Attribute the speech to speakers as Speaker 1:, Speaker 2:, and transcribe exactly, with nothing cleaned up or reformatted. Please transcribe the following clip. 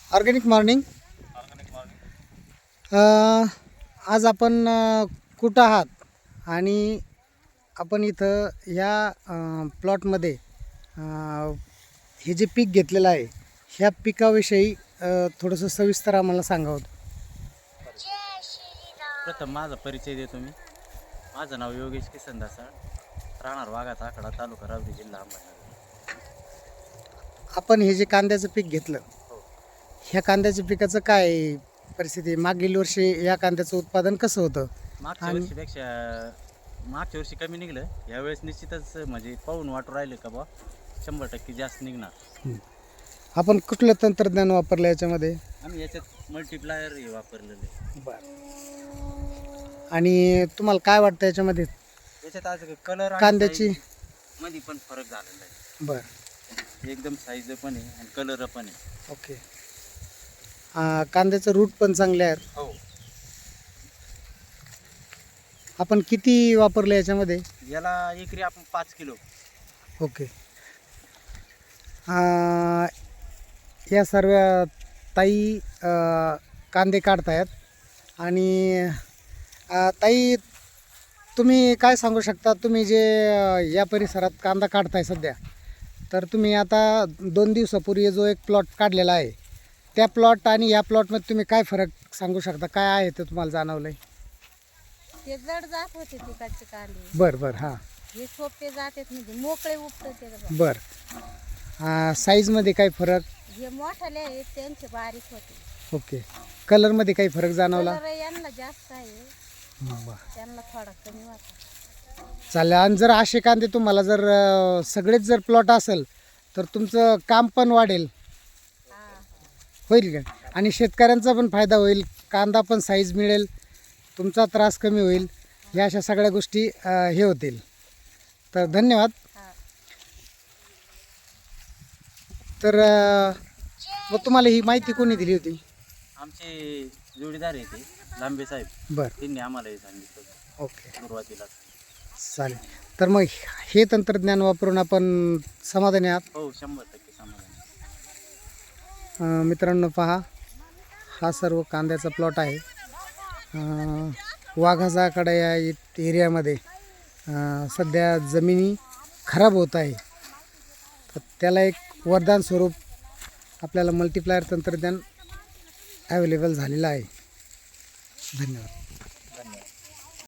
Speaker 1: Organic morning.
Speaker 2: Organic morning.
Speaker 1: अ, आज आपण अ, कुठं आहात आणि आपण इथं ह्या अ, प्लॉटमध्ये अ, हे जे पीक घेतलेलं आहे ह्या पिकाविषयी अ, थोडंसं सविस्तर आम्हाला सांगावं.
Speaker 2: प्रथम माझा परिचय देतो मी. माझं नाव योगेश किसन दासाळ, राहणार वाघाचा आकडा, तालुका रावरी, जिल्हा अहमदनगर.
Speaker 1: आपण हे जे कांद्याचं पीक घेतलं
Speaker 2: हो.
Speaker 1: ह्या कांद्याच्या पिकाचं काय परिस्थिती आहे? मागील वर्षी या कांद्याचं उत्पादन कसं होतं?
Speaker 2: मागच्या
Speaker 1: आणि
Speaker 2: वर्षीपेक्षा मागच्या वर्षी कमी निघलं, यावेळेस निश्चितच म्हणजे पाहून वाटू राहिलं का बा शंभर टक्के जास्त निघणार.
Speaker 1: आपण कुठलं तंत्रज्ञान वापरलं याच्यामध्ये?
Speaker 2: आम्ही याच्यात मल्टीप्लायर हे वापरलेलं आहे.
Speaker 1: बरं. आणि तुम्हाला काय वाटतं याच्यामध्ये
Speaker 2: याच्यात आज कलर
Speaker 1: कांद्याची?
Speaker 2: मध्ये पण फरक झालेला आहे.
Speaker 1: बरं.
Speaker 2: एकदम साईज पण आहे आणि कलर पण आहे.
Speaker 1: ओके. आ, कांद्याचं रूट पण चांगले आहेत.
Speaker 2: हो.
Speaker 1: आपण किती वापरले याच्यामध्ये?
Speaker 2: याला एकरी आपण पाच किलो.
Speaker 1: ओके. आ, या सर्व ताई अ, कांदे काढतायत आणि अ, ताई तुम्ही काय सांगू शकता? तुम्ही जे अ, या परिसरात कांदा काढताय सध्या, तर तुम्ही आता दोन दिवसापूर्वी जो एक प्लॉट काढलेला आहे त्या प्लॉट आणि या प्लॉटमध्ये तुम्ही काय फरक सांगू शकता? काय आहे ते तुम्हाला जाणवलं आहे?
Speaker 3: ते जड जात होते तिकडचे कांदे,
Speaker 1: बरं बरं. हां.
Speaker 3: हे सोपे जातात म्हणजे मोकळे उपटत ते बघा.
Speaker 1: बरं. साईजमध्ये काही फरक?
Speaker 3: हे मोठाले आहेत त्यांचे बारीक होते.
Speaker 1: ओके. कलरमध्ये काही फरक जाणवला?
Speaker 3: कलर यांना जास्त आहे,
Speaker 1: बरं.
Speaker 3: त्यांना थोडा कमी होता.
Speaker 1: चालेल. आणि जर असे कांदे तुम्हाला जर अ, सगळेच जर प्लॉट असेल तर तुमचं काम पण वाढेल,
Speaker 3: हा,
Speaker 1: होईल का? आणि शेतकऱ्यांचा पण फायदा होईल, कांदा पण साईज मिळेल, तुमचा त्रास कमी होईल, ह्या अशा सगळ्या गोष्टी अ, हे होतील. तर धन्यवाद.
Speaker 3: हा.
Speaker 1: तर अ, मग तुम्हाला ही माहिती कोणी दिली होती?
Speaker 2: आमचे जोडीदार आहे ते लांबे साहेब,
Speaker 1: बरं.
Speaker 2: त्यांनी आम्हाला हे सांगितलं
Speaker 1: ओके.
Speaker 2: सुरुवातीला.
Speaker 1: चालेल. तर मग हे तंत्रज्ञान वापरून आपण समाधानी आहात?
Speaker 2: हो, शंभर टक्के समाधान.
Speaker 1: अ, मित्रांनो पहा, हा सर्व कांद्याचा प्लॉट आहे. अ, वाघाजाकडा या इत- एरियामध्ये अ, सध्या जमिनी खराब होत आहे, तर त्याला एक वरदान स्वरूप आपल्याला मल्टीप्लायर तंत्रज्ञान ॲवेलेबल झालेलं आहे. धन्यवाद.